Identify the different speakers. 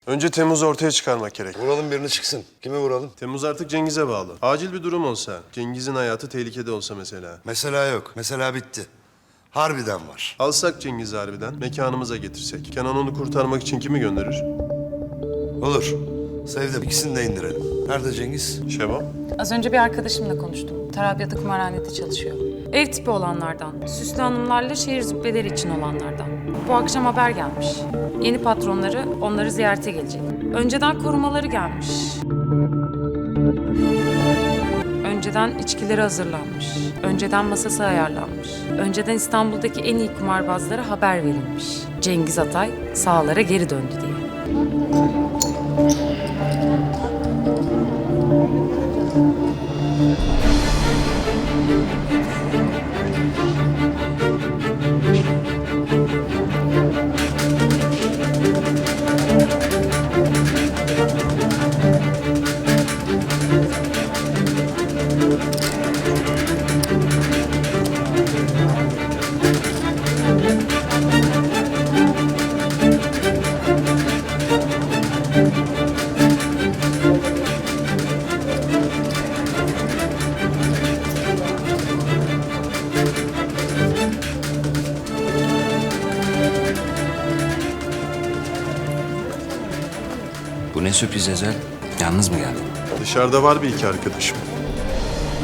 Speaker 1: Önce Temmuz'u ortaya çıkarmak gerek.
Speaker 2: Vuralım birini çıksın. Kime vuralım?
Speaker 1: Temmuz artık Cengiz'e bağlı. Acil bir durum olsa, Cengiz'in hayatı tehlikede olsa mesela.
Speaker 2: Mesela yok. Mesela bitti. Harbiden var.
Speaker 1: Alsak Cengiz'i harbiden, mekanımıza getirsek. Kenan onu kurtarmak için kimi gönderir?
Speaker 2: Olur. Sevdim. İkisini de indirelim. Nerede Cengiz?
Speaker 1: Şebap.
Speaker 3: Az önce bir arkadaşımla konuştum. Tarabya'da kumarhanede çalışıyor. Ev tipi olanlardan, süslü hanımlarla şehir züppeleri için olanlardan. Bu akşam haber gelmiş. Yeni patronları onları ziyarete gelecek. Önceden korumaları gelmiş. Önceden içkileri hazırlanmış. Önceden masası ayarlanmış. Önceden İstanbul'daki en iyi kumarbazlara haber verilmiş. Cengiz Atay sahalara geri döndü diye.
Speaker 4: Bu ne sürpriz Ezel? Yalnız mı geldin?
Speaker 1: Dışarıda var bir iki arkadaşım.